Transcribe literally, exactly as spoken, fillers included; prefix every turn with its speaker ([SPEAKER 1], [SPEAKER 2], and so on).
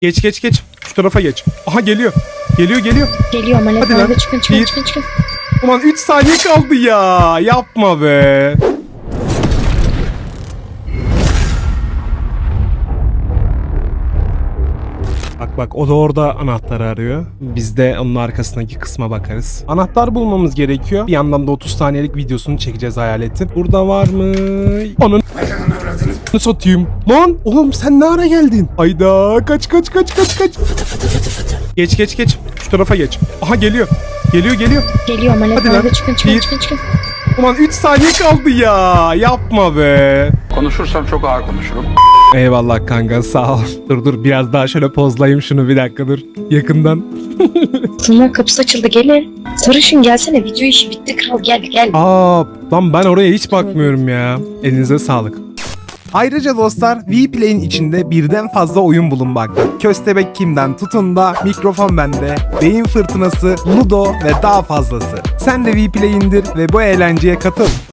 [SPEAKER 1] Geç geç geç. Şu tarafa geç. Aha geliyor. Geliyor geliyor.
[SPEAKER 2] Geliyor Malek
[SPEAKER 1] Hadi lan.
[SPEAKER 2] abi, çıkın çıkın
[SPEAKER 1] Bir.
[SPEAKER 2] çıkın çıkın.
[SPEAKER 1] Ulan üç saniye kaldı ya. Yapma be. Bak bak, o da orada anahtarı arıyor. Biz de onun arkasındaki kısma bakarız. Anahtar bulmamız gerekiyor. Bir yandan da otuz saniyelik videosunu çekeceğiz hayaletin. Burada var mı? Onun satayım. Lan oğlum sen ne ara geldin? Hayda, kaç kaç kaç kaç kaç. Geç geç geç. Şu tarafa geç. Aha geliyor. Geliyor geliyor.
[SPEAKER 2] Geliyor Malek
[SPEAKER 1] Hadi
[SPEAKER 2] abi,
[SPEAKER 1] lan.
[SPEAKER 2] çıkın çıkın
[SPEAKER 1] Bir.
[SPEAKER 2] çıkın çıkın.
[SPEAKER 1] Ulan üç saniye kaldı ya. Yapma be.
[SPEAKER 3] Konuşursam çok ağır konuşurum.
[SPEAKER 1] Eyvallah kanka, sağ ol. Dur dur, biraz daha şöyle pozlayayım şunu, bir dakika dur. Yakından.
[SPEAKER 2] Sınır kapısı açıldı, gelin. Sarışın gelsene, video işi bitti kral, gel gel.
[SPEAKER 1] Aa lan, ben oraya hiç bakmıyorum ya. Elinize sağlık. Ayrıca dostlar, Vplay'in içinde birden fazla oyun bulunmakta. Köstebek Kim'den tutun da mikrofon bende, beyin fırtınası, ludo ve daha fazlası. Sen de Vplay indir ve bu eğlenceye katıl.